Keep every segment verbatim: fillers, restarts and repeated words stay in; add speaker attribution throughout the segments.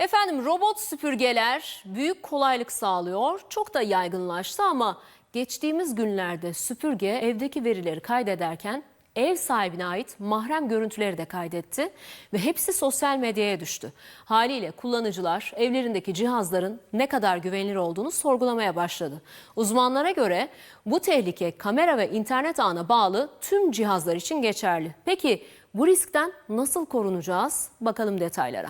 Speaker 1: Efendim robot süpürgeler büyük kolaylık sağlıyor. Çok da yaygınlaştı ama geçtiğimiz günlerde süpürge evdeki verileri kaydederken ev sahibine ait mahrem görüntüleri de kaydetti ve hepsi sosyal medyaya düştü. Haliyle kullanıcılar evlerindeki cihazların ne kadar güvenilir olduğunu sorgulamaya başladı. Uzmanlara göre bu tehlike kamera ve internet ağına bağlı tüm cihazlar için geçerli. Peki bu riskten nasıl korunacağız? Bakalım detaylara.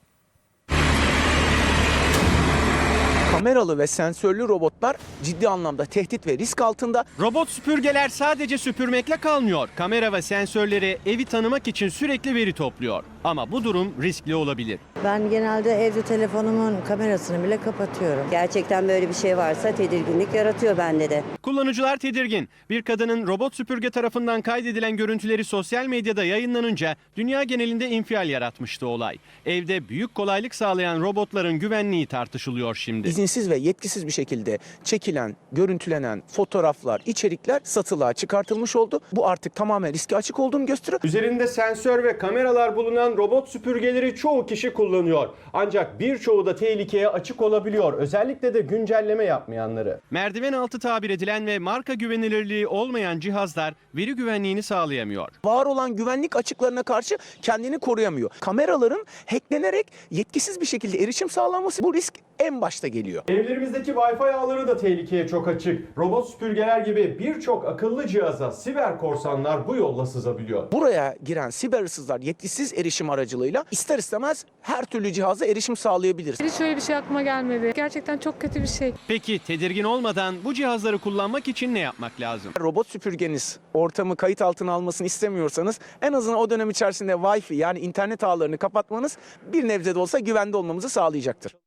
Speaker 2: Kameralı ve sensörlü robotlar ciddi anlamda tehdit ve risk altında.
Speaker 3: Robot süpürgeler sadece süpürmekle kalmıyor. Kamera ve sensörleri evi tanımak için sürekli veri topluyor. Ama bu durum riskli olabilir.
Speaker 4: Ben genelde evde telefonumun kamerasını bile kapatıyorum.
Speaker 5: Gerçekten böyle bir şey varsa tedirginlik yaratıyor bende de.
Speaker 3: Kullanıcılar tedirgin. Bir kadının robot süpürge tarafından kaydedilen görüntüleri sosyal medyada yayınlanınca dünya genelinde infial yaratmıştı olay. Evde büyük kolaylık sağlayan robotların güvenliği tartışılıyor şimdi.
Speaker 2: İzinsiz ve yetkisiz bir şekilde çekilen, görüntülenen fotoğraflar, içerikler satılığa çıkartılmış oldu. Bu artık tamamen riske açık olduğunu gösteriyor.
Speaker 3: Üzerinde sensör ve kameralar bulunan robot süpürgeleri çoğu kişi kullanıyor. Ancak birçoğu da tehlikeye açık olabiliyor. Özellikle de güncelleme yapmayanları. Merdiven altı tabir edilen ve marka güvenilirliği olmayan cihazlar veri güvenliğini sağlayamıyor.
Speaker 2: Var olan güvenlik açıklarına karşı kendini koruyamıyor. Kameraların hacklenerek yetkisiz bir şekilde erişim sağlanması, bu risk en başta geliyor.
Speaker 3: Evlerimizdeki Wi-Fi ağları da tehlikeye çok açık. Robot süpürgeler gibi birçok akıllı cihaza siber korsanlar bu yolla sızabiliyor.
Speaker 2: Buraya giren siber hırsızlar yetkisiz erişim aracılığıyla ister istemez her türlü cihaza erişim sağlayabilir.
Speaker 6: Hiç öyle bir şey aklıma gelmedi. Gerçekten çok kötü bir şey.
Speaker 3: Peki tedirgin olmadan bu cihazları kullanmak için ne yapmak lazım?
Speaker 2: Robot süpürgeniz ortamı kayıt altına almasını istemiyorsanız en azından o dönem içerisinde Wi-Fi yani internet ağlarını kapatmanız bir nebze de olsa güvende olmamızı sağlayacaktır.